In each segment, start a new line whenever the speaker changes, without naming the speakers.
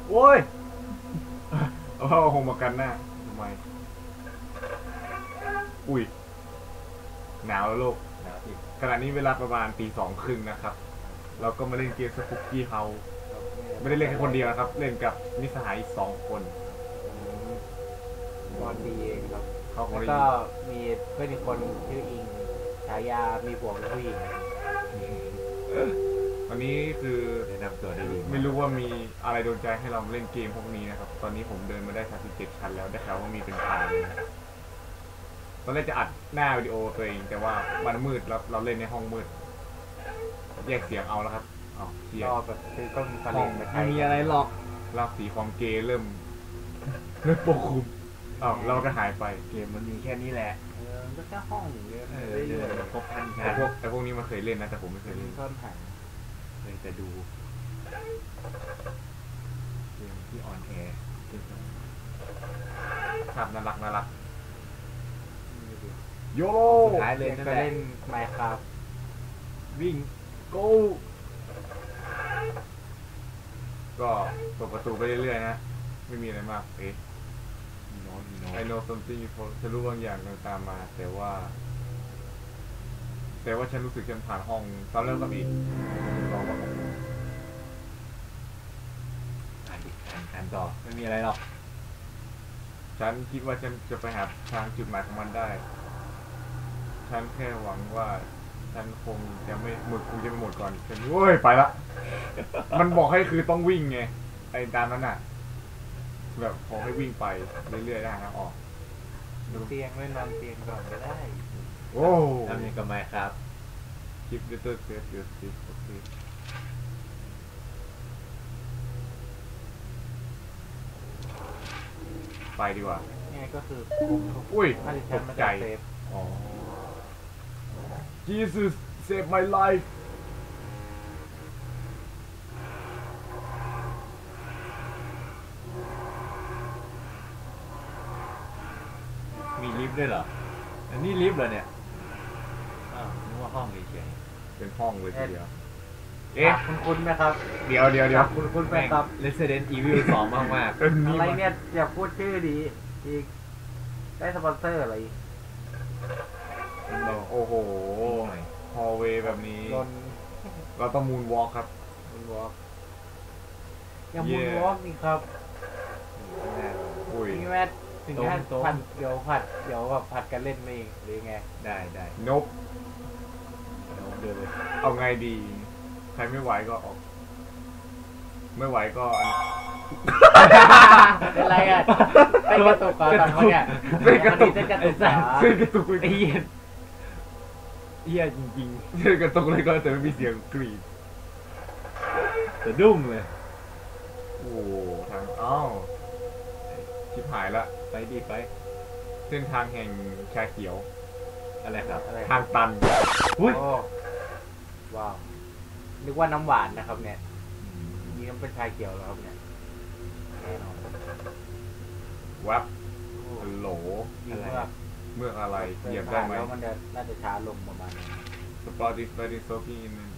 โอ้ย
เอาหงมากันหน้าทำไมอุ้ยหนาวแล้วโลก
หนาวอีก
ขณะนี้เวลาประมาณตี 2:30นะครับเราก็มาเล่นเกมสปุกกี้เฮาไม่ได้เล่นแค่คนเดียวนะครับเล่นกับมิตรสหายอีก2 คน
บอลดีเองครับ
เขาคน
แล้วก็มีเพื่อนอีกคนชื่ออิงฉายามีผัวเป็นผู้หญิง
วันนี้คือ
แนะนำตัวได้ดี
ไม่รู้ว่ามีอะไรโดนใจให้เราเล่นเกมพวกนี้นะครับตอนนี้ผมเดินมาได้37 ชั้นแล้วได้ข่าวว่ามีเป็นพันตอนแรกจะอัดหน้าวิดีโอตัวเองแต่ว่ามันมืดแล้วเราเล่นในห้องมืดแยกเสียงเอาแล้วครับเสียง
แบบคือก็มีฟัง
ไม่มีอะไรหรอกรากสีความเกย์เริ่มปกคลุมเราก็หายไป
เกมมันมีแค่นี้แหละก็แค่ห้องเดียวครบพัน
ไอ้พวกนี้มันเคยเล่นนะแต่ผมไม่เคยเล่น
ซ่อนหายเคยแต่ดูเกมที่ออนแอร์
ครับน่ารักโยโร
สุดท้ายเลยก็เล่นไมค์ครับ
วิ่ง go ก็เปิดประตูไปเรื่อยๆนะไม่มีอะไรมากI know something ฉันรู้บางอย่างตามมาแต่ว่าฉันรู้สึกฉันผ่านห้องตอนเริ่มกับอีกลองว่า
อ่านต่อไม่มีอะไรหรอก
ฉันคิดว่าฉันจะไปหาทางจุดหมายของมันได้ฉันแค่หวังว่าฉันคงจะไม่หมดก่อนฉันโว้ยไปละมันบอกให้คือต้องวิ่งไงไอ้ตามนั้นน่ะแบบขอให้วิ่งไปเรื่อยๆได้นะออก
เตียงไม่นอนเตียงก่อนก็ได้
โอ้
ทำยังกับไมครับ
คลิปเตอร์เซฟเดี๋ยวสิโอเคไปดีกว่า
นี่ก็คือ
อุ้ยตกใจอ๋อ Jesus save my life
มีลิฟต์ด้วยเหรออันนี้ลิฟต์เหรอเนี่ยนึกว่าห้องเฉย
ๆเป็นห้องเลยทีเดียว
คุณไหมครับ
เดี๋ยว
คุณไหมครับ Resident Evil 2มากๆอะไรเนี่ยอย่าพูดชื่อดีอีกได้สปอนเซอร์อะไร
โอ้โหฮอลเวย์แบบนี้เราต้องมูนวอล์กครับ
มูนวอล์กยังมูนวอล์กนี่ครับนี่แม่ถึงแค่ผัดเดี๋ยวแบบผัดกันเล่นไม่หรือไงได้
นบ
เดินเลย
เอาไงดีใครไม่ไหวก็ออกไม่ไหวก็
เป็นไรอ่ะเต้นกระตุกก่อนตอนนี้เนี่ย
เต้นกระตุก
ไอ้เหี้ยจริง
ๆเต้นกระตุกเลยก็แต่ไม่มีเสียงกรีด
แต่ดุ้งเลย
โอ้ทางชิบหายละ
ไปดีไป
เส้นทางแห่งชาเขียว
อะไรครับ
ทางตัน
อุ้ยว้าวนึกว่าน้ำหวานนะครับเนี่ยนี่มันเป็นชาเขียวแล้วครับเนี่ยแน่นอน
วับฮัลโหลเมื่ออะไรเหยียบได้ไหม
แล้วมันจะน่าจะช้าลงประมาณนี้
สปอร์ติฟดิโซกี้นี่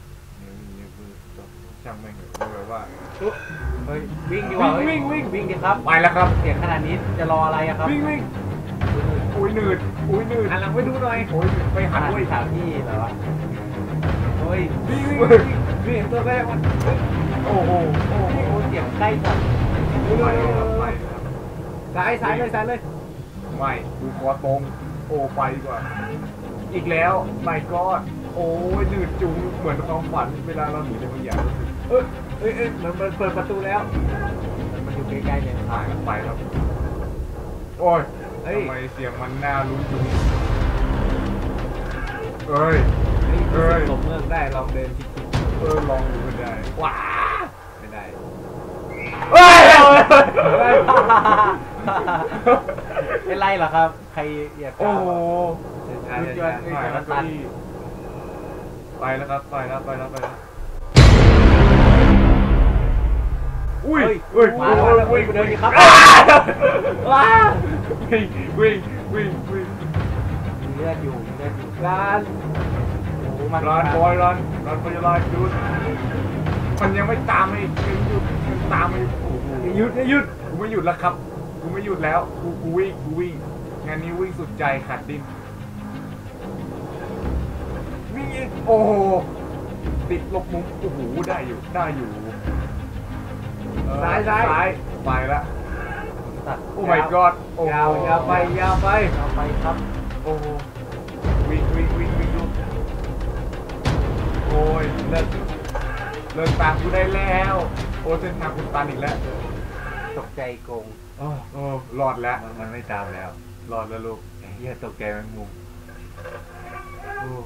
ช่างไม่เหรอเลยว่า
เฮ้ยวิ่งดีกว่าวิ่งดีครับ
ไปแล้วครับ
เสียงขนาดนี้จะรออะไรอะครับ
วิ่งอุ้ยหนืด
หันหลังไปดูหน่อย
โอ้ยไปหันด้วย
ถามพี่เหรอโอ้ย
วิ่งตัวแรกมันโอ้โห
เสียงใกล้จัด
ไม่
ซ้ายเลย
ไม่ดูคอตรงโอ้ไปดีกว่าอีกแล้วไม่ก็โอ้ยหนืดจุงเหมือนความฝันเวลาเราหนีในบางอย่าง
เหมือนเปิดประตูแล้วมันอยู่ใกล้ๆเนี่ย
ไปครับโอ้ยทำไมเสียงมันน่าลุ้นจุง
หลบเมือกได้ลองเดิน
ลองดูได้
ว้าไม่ได้เป็นไรเหรอครับใครอยาก
โอ้โห
ตัน
ไปแล้วครับไปแล้วอุ้ย
มาวิ่งเดินครับ
ว้าวิ่ง
เลือดอยู่รัน
บอยรัน for your life dude มันยังไม่ตามไม่หยุดมันตามไม่โอ้โหหยุดกูไม่หยุดแล้วครับกูไม่หยุดแล้วกูวิ่งงานนี้วิ่งสุดใจขาดดิ้นวิ่งอีกโอ้โหติดลบมุมโอ้โหได้อยู่ซ้ายไปละโอ้ my god โอ้โห
ยาวไปครับ
โอ้โหวิ่งลูกโอ้ยเลิกตามกูได้แล้วโอ้เส้นทางคุณตันอีกแล้ว
ตกใจโกง
โอ้รอดแล้ว
มันไม่ตามแล้ว
รอดแล้วลูก
เหี้ยตกใจแมงมุม
โอ้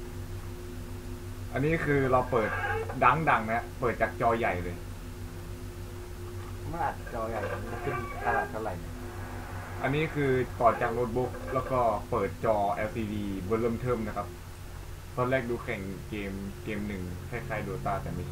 อันนี้คือเราเปิดดังนะเปิดจากจอใหญ่เลย
มันอัดจอใหญ่มันขึ้นตลาดเท่าไหร่
อันนี้คือต่อจากโน้ตบุ๊กแล้วก็เปิดจอ LCD เบอร์เริ่มเทิมนะครับตอนแรกดูแข่งเกมหนึ่งคล้ายๆโดตาแต่ไม่ใช่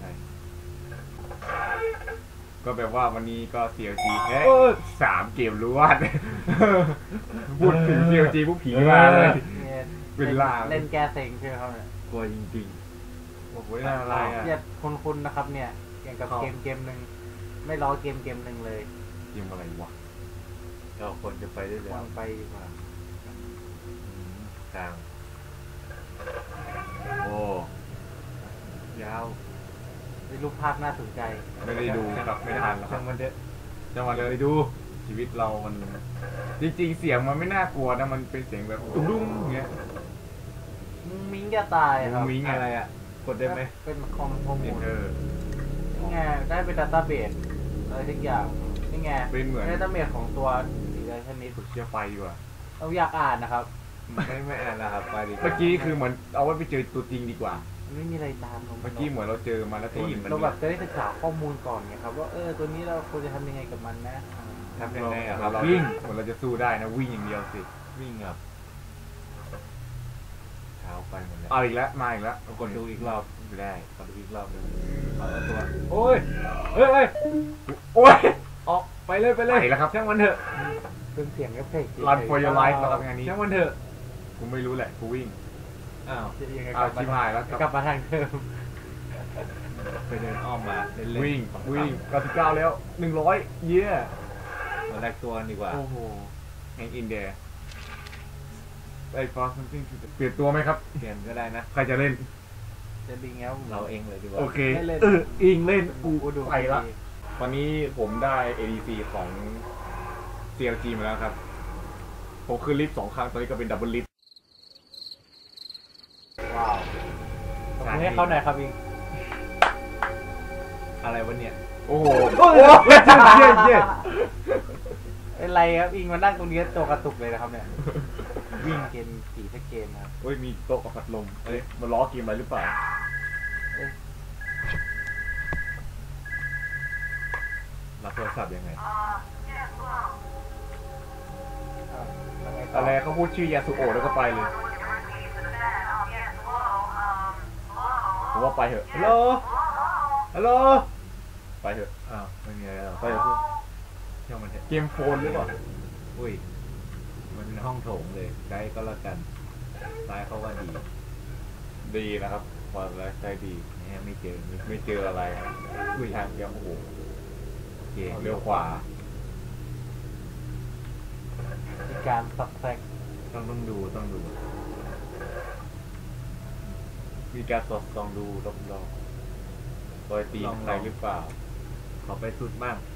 ก็แบบว่าวันนี้ก็ CLG แค่3 เกมรวด พูดถึง CLG ผู้ผีมาเลย เป็นลาง
เล่นแก้เซ็งใช่ไหมครับเนี่ย
กลัวจริง
โอ้โหน่าอะไรอ่ะ
เรียกคุณนะครับเนี่ยอย่างกับเกมหนึ่งไม่ล้อเกมหนึ่งเลย
เกมอะไรวะ
ๆเราควรจะไปได้แล้ว
วางไปดีกว่า
ทางโอ้ยาว
มีรูปภาพน่าสนใจ
ไม่ได้ดูครับไม่ทันแล้วครั
ช่า
บ
งมันเถอะ
จังหวะเลยดูชีวิตเรามันจริงๆเสียงมันไม่น่ากลัวนะมันเป็นเสียงแบบดุ้งๆอย่างเงี้ย
มุ้งมิ้งจะตายครับ
มุ้งมิ้ง
อะไรอ่ะกดได้ไหม
เป็นข้อมูล
เออ
นี่ไงได้เป็นดัตต้าเบสอะไรทุกอย่างนี่ไง
เป็นเหมือน
ดัตต้าเบสของตัวสีอะไรชนิด
กดเชียร์ไฟดีกว่า
เราอยากอ่านนะครับ
ไม่อ่านนะครับไปดิ
เมื่อกี้คือเหมือนเอาไว้ไปเจอตัวจริงดีกว่า
มันไม่มีอะไรตามลง
เมื่อกี้เหมือนเราเจอมาแล้วตัวหนึง
เราแบบจะได้ศึกษาข้อมูลก่อนไงครับว่าตัวนี้เราควรจะทำยังไงกับมันนะ
ทำยังไงอ่ะ
เรา
วิ่ง
เหมือนเราจะสู้ได้นะวิ่งอย่างเดียวสิ
วิ่งครับเท้าไปหมดแล้ว
เอาอีกแล้วมาอีกแล้ว
กดดูอีกรอบ
ไม่ได้
กดดูอีกรอบหนึงเอาตัว
โอ้ยเฮ้ยโอ้ย
ออกไปเลย
ไปแล้วครับ
ช่างมันเถอะ
เป็นเสียงเอฟเฟกต์
Run for your life นะครับงานนี้
ช่างมันเถอะ
กูไม่รู้แหละกูวิ่ง
อ้าว
ยังไง
เอาชิบหายแล้ว
กลับมาทางเดิม
ไปเดินอ้อมมาเล่นๆ
วิ่ง
ขำๆ
วิ่ง99แล้ว100เย้
มาแลกตัวกันดีกว่า
โอ้โหแฮงอินเดียไอ้ฟอสมันจริงเปลี่ยนตัวไหมครับ
เปลี่ยนก็ได้นะ
ใครจะเล่น
จะดีแล้ว
เราเองเลยดีกว่า
โอเค
เล่น
อิงเล่นกู
ดู
ไปละตอนนี้ผมได้ ADC ของ CLG มาแล้วครับ ผมขึ้นลิฟต์2 ครั้ง ตอนนี้ก็เป็นดับเบิลลิฟต์
ว้าวตบมือให้เขาหน่อยครับอิง
อะไรวะเนี่ย
โอ้โห
โอ้ย
เย้
เป็นไรครับอิงมานั่งตรงนี้ตัวกระตุกเลยนะครับเนี่ยวิ่งเกมกี่สักเกมครับ
โอ้ยมีโต๊ะกับพัดลมเอ้ยมาล้อเกมอะไรหรือเปล่า
รับโทรศัพท์ยังไง
อะไรเขาพูดชื่อยาสุโอะแล้วก็ไปเลยผมว่าไปเถอะฮัลโหลฮัลโหลไปเถอะ
อ้าวไม่มีอะไรหรอก
ไปเถอะ
ช่างมันเถอะ
เกมโฟนหรือเปล่า
อุ้ยมันเป็นห้องโถงเลยไกด์ก็แล้วกันซ้ายเขาว่าดี
ดีนะครับพอแล้วใจดี
เนี่ยไม่เจอ
ไม่เจออะไรครับ
อุ้ย
ทางเดียวโอ้โห
เก่ง
เลี้ยวขวา
มีการสับแซก
ต้องดู
มีการสอดส่องดูรอบๆรอยตีนข้างในหรือเปล่า
ขอไปสุดบ้าง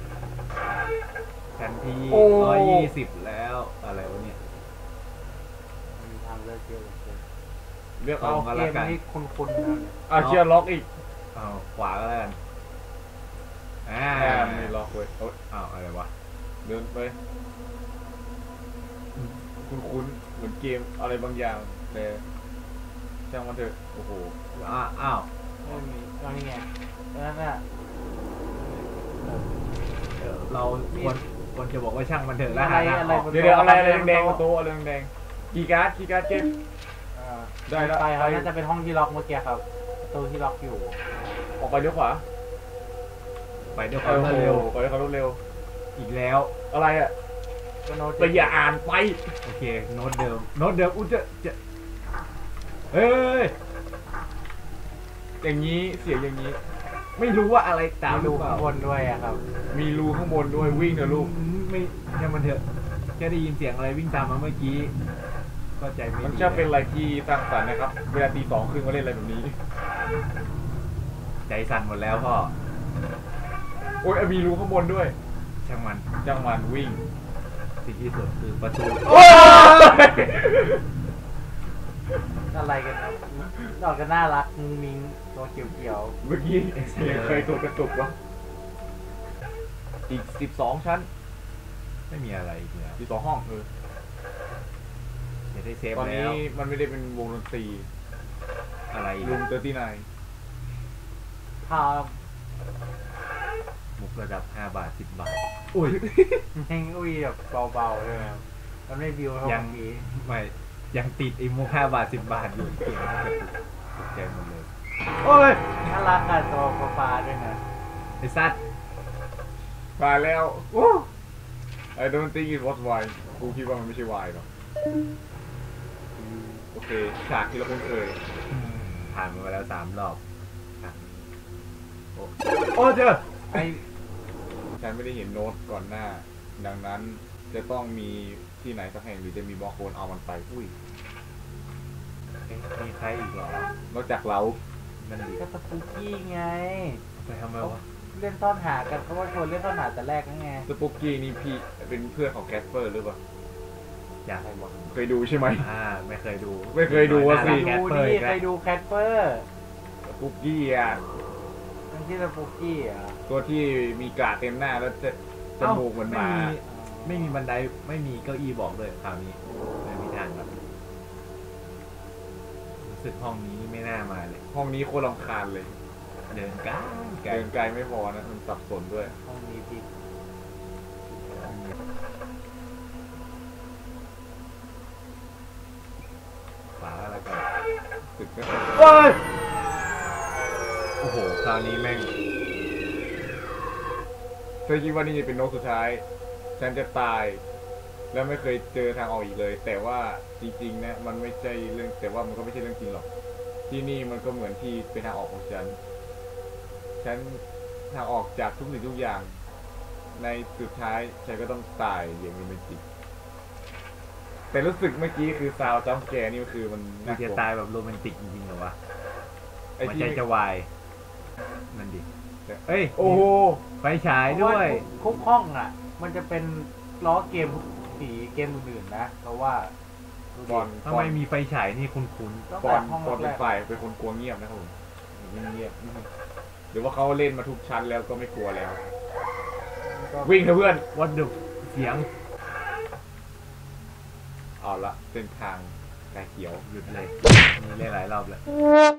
ชั้นที่
โอ้
120แล้วอะไรวะเนี่ย
มีทางเลือกเยอะเลย
เลือก
เอา
เอา
มา
เก
ละ
ม
กัน
นี้คุ้นๆนะ
เชียร์ล็อกอีก
เอาขวาก็แล้วกันอ่า
มีล็อกเว้ยโอ๊ย
อ้าวอะไรวะ
เดินไปคุ้นๆเหมือนเกมอะไรบางอย่างแต่ช่างมันเถอะโอ้โห
อ้าว
ไม่มีเอานี่ไงนั่นน่ะ
เราควรจะบอกว่าช่างมันเถอะ
อะ
แล้ว
ไร
หาทาง
อะไร
ออก
บน
เดี๋ยวอะไรแดงๆประตูอะไรแดงๆกีการ์ดเกม ได้แล้ว
ไปครับ
ไป
น่าจะเป็นห้องที่ล็อกเมื่อกี้ครับประตูที่ล็อกอยู่
ออกไปเลี้ยวขวา
ไปด้วยความรวดเร็ว
ไปด้วยความรวดเร็ว
อีกแล้ว
อะไรอ่ะ
ก็โน้ต
แต่อย่าอ่านไป
โอเคโน้ตเดิมอุ้ยจะเฮ้ย
อย่างนี้เสียงอย่างนี้
ไม่รู้ว่าอะไรตาม
มี
หรื
รู
อเป
ข้า
ล่าง
บนด้วยอะครับ
มีรูข้างบนด้วยวิ่งเถอะลูก
ไม่แค่มันเถอะแค่ได้ยินเสียงอะไรวิ่งตามมาเมื่อกี้ก็ใจไม่
มัน
ดี
จะเป็นอะไรที่สร้างสรรค์นะครับ เวลาตี 2 ครึ่งมาเล่นอะไรแบบนี้
ใจสั่นหมดแล้วพ่อ
โอ้ยมีรูข้างบนด้วย
ช่างมัน
จังหวันวิ่ง
สิ่งที่สุดคือประตู
อะไรกันดอกก็น่ารักมุ้งมิ้งตัวเขียว
เมื่อกี้เสียงเคยตัวกระตุกวะอีก 12 ชั้น
ไม่มีอะไรอีกแล้ว
12 ห้อง
จะได้เซฟ
ตอน
แล้
นี้
ว
มันไม่ได้เป็นวงดนตรี
อะไรอีก
รูม
อะ
ๆพา
มุกระดับ5 บาท 10 บาท อุ้ย
แม่งอุ้ยแบบเบาๆเลยครับมันไม่บิวเท่า
ยัง
เมื่อกี้
ไม่ยังติดไอ้มุก5 บาท 10 บาทอยู่เกมมันกระตุกตกใจหมดเลยโอ้ย
น่ารักอะตัวฟ้าๆด้วยนะ
ไอ้สัตว์
มาแล้วโอ้ I don't think it was wine กูคิดว่ามันไม่ใช่ wine หรอกโอเค ฉากที่เราคุ้นเคย
ผ่านมาแล้ว3 รอบอ่ะโอ้เจอ
ไอ้
ฉันไม่ได้เห็นโน้ตก่อนหน้า ดังนั้นจะต้องมีที่ไหนสักแห่งหรือจะมีบล็อกโคนเอามันไป อุ้ย
เอ๊ะมีใครอีกเหรอน
อกจากเรา
มันดี
ก็สปูกี้ไง
ไปทำไมวะ
เล่นซ่อนหากันเพราะว่าชวนเล่นซ่อนหาแต่แรกนั่นไง
สปุกกี้นี่พี่เป็นเพื่อนของแคสเปอร์หรือเปล่า
อยาก
เคยดูใช่ไหม
ไม่เคยดู
ไม่เคยดูอะสิ
แค
ดู
สเปอร์
ดิ
อีก
ใค
แล้
ร
ว
ดูแคทเปอร์
สปุกกี้อ่ะ
มันชื่อสปูกี้อ่ะ
ตัวที่มีกระเต็มหน้าแล้วจะจมูกเหมือนหมา
ไม่มีบันไดไม่มีเก้าอี้บอกเลยคราวนี้ไม่มีทางครับรู้สึกห้องนี้ไม่น่ามาเลย
ห้องนี้โคตรรำคาญเลย
เดินไกลไกล
เดินไกลไม่พอนะ มันสับสนด้วย
ห้องนี้ผิด
ฝาอะไรกัน
ตึกก็
โอ้ยโอ้โหคราวนี้แม่ง
เธอคิดว่านี่จะเป็นนกสุดท้าย ฉันจะตาย แล้วไม่เคยเจอทางออกอีกเลย แต่ว่าจริงๆนะมันไม่ใช่เรื่อง แต่ว่ามันก็ไม่ใช่เรื่องจริงหรอก ที่นี่มันก็เหมือนที่เป็นทางออกของฉัน ฉันทางออกจากทุกสิ่งทุกอย่าง ในสุดท้ายฉันก็ต้องตายอย่างมีเป็นจริงแต่รู้สึกเมื่อกี้คือซาวจัมป์แกร์นี่คือมัน
มั
น่าน ก
จะ
ลัว
ตายแบบโรแมนติกจริงๆเหรอวะ
ไอ้
มัน
ที่
ใจจะวายนั่นดิ เอ้ย
โอ้โห
ไฟฉายด้วย
ทุกห้องอ่ะ มันจะเป็นล้อเกมสีเกมอื่นๆนะเพราะว่า
บอล
ทำไมมีไฟฉายนี่คุ้น
ตั้ง
บ
แต่
อล
ห้อง
บอล
แร
เป็น
ก
ฝ่ายเป็นคนกลัวเงียบนะครับผมเงียบหรือว่าเขาเล่นมาทุกชั้นแล้วก็ไม่กลัวแล้ว
ๆก็
วิ่งเถอะเพื่อน
ๆวัดดุเสียง
เอาละเส้นทางกายเขียว
หยุดเลยมีเล่นหลายรอบแล้ว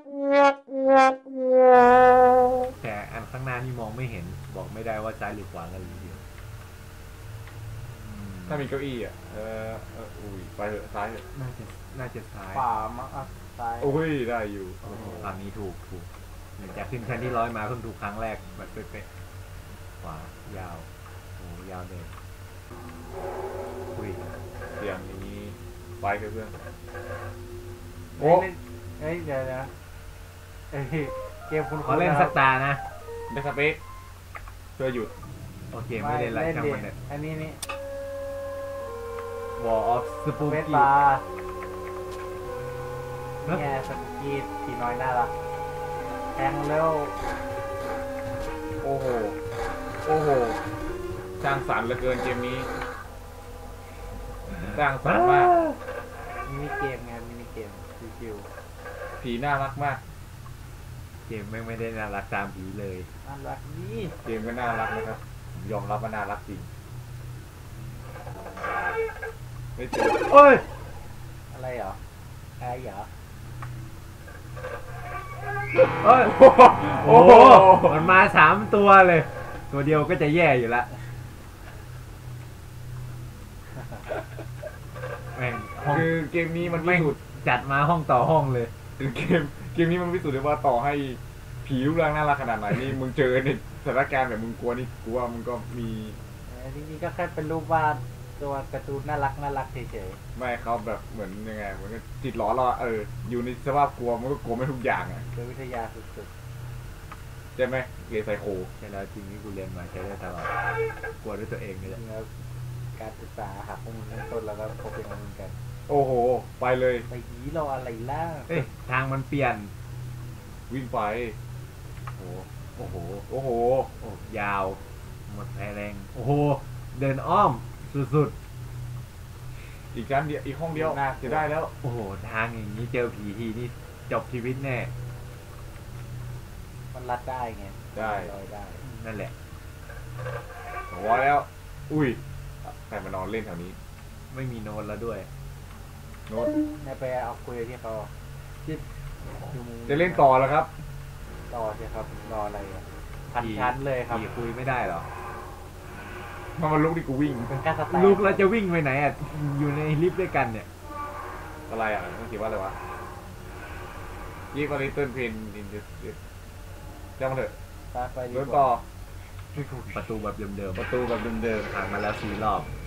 แต่อันข้างหน้านี่มองไม่เห็นบอกไม่ได้ว่าซ้ายหรือขวากันเลยทีเดียวอืม
ถ้ามีเก้าอี้อ่ะอุ้ยไปเถอะซ้ายเถอะ
น่าจะซ้าย
ขวามั้งอ่ะซ้าย
อุ้ยได้อยู่
โอ้โหคราวนี้ถูกหลังจากขึ้นชั้นที่100มาเพิ่งถูกครั้งแรกแบบเป๊ะๆขวายาวโอ้โหยาวเลยอุ้ย
เสียงนี้ไปเถอะเพื่อน
เฮ้ยเฮ้ยเดี๋ยวนะเอ้ยเกมคุณ
ขอเล่นสักตานะ
ได้สเปคเพื่อหยุด
โอเคไม่เล่นไรช่างมัน
เล
เนี่ย
อันนี้นี่
Wall of
เว
Spooky
สปานี่ไงสปูกี้ผีน้อยน่ารักแทงเร็ว
โอ้โหโอ้โหสร้างสรรค์เหลือเกินเกมนี้สร้างสรรค์มาก
มินิเกมไงมินิเกมชิว
ผีน่ารักมาก
เกมไม่ได้น่ารักตามผีเลย
ๆน่ารักนี่
เกมก็น่ารักนะครับผมยอมรับว่าน่ารักจริงไม่เจอ
โอ้ย
อะไรเหรอแอร์เหรอ
โอ้ย
โอ้โห
มันมา3 ตัวเลย ตัวเดียวก็จะแย่อยู่ละแม่งห้อง
คือเกมนี้มันพิ
แม่ง
สูจน์
จัดมาห้องต่อห้องเลย
คือเกมนี้มันพิสูจน์ได้ว่าต่อให้ผีรูปร่างน่ารักขนาดไหนนี่มึงเจอในสถานการณ์แบบมึงกลัวนี่กูว่ามึงก็มี
จริงๆก็แค่เป็นรูปวาดตัวการ์ตูนน่ารักเฉย
ไม่เขาแบบเหมือนยังไงเหมือนกับจิตหลอนเราอะอยู่ในสภาพกลัวมันก็กลัวไม่ทุกอย่างอ่ะ
ๆโดยวิทยาสุด
ใช่ไหมเรียนไซโค
ใช่แล้วจริงที่กูเรียนมาใช้ได้ตลอดกลัวด้วยตัวเองนี่แหละ
แล้วการศึกษาหักข้อมูลตั้งต้นแล้วก็พบเป็นข้อมูลกัน
โอ้โห ไปเลย
ไปยีรออะไรล่ะ
เอ้ยทางมันเปลี่ยน
วิ่งไป
โอ้โอ้โห
โอ้โห
โอ้ยาว หมดแรง โอ้โห เดินอ้อม สุด
อีกชั้นเดียวอีกห้องเดียวจะได้แล้ว
ๆ โอ้โห ทางอย่างนี้เจอผีทีนี่จบชีวิตแน่
มันรัดได้ไง
ได้
ลอยได้
นั่นแหละ
หัวแล้ว อุ้ยใครมานอนเล่นแถวนี้
ไม่มีโน้ตแล้วด้วย
โน้ต
นายไปเอาคุยที่เขาที่อยู่มุม
จะเล่นต่อแล้วครับ
ต่อใช่ครับรออะไรอ่ะพันชั้นเลยครับ
ผีคุยไม่ได้หรอ
มันลุกที่กูวิ่ง
เป็นการสแตน
ลูกเราจะวิ่งไปไหนอ่ะ อยู่ในลิฟต์ด้วยกันเนี่ย
อะไรอ่ะต้องเขียนว่าอะไรวะยี่ก็ลิตเติ้ลเพนอินเดสจ้างมาเถอะ
ไปดี
เดิน
ก
ต่อ
ว่า
ประตูแบบเดิม
ประตูแบบเดิม
ๆผ่านมาแล้ว4 รอบ
ๆ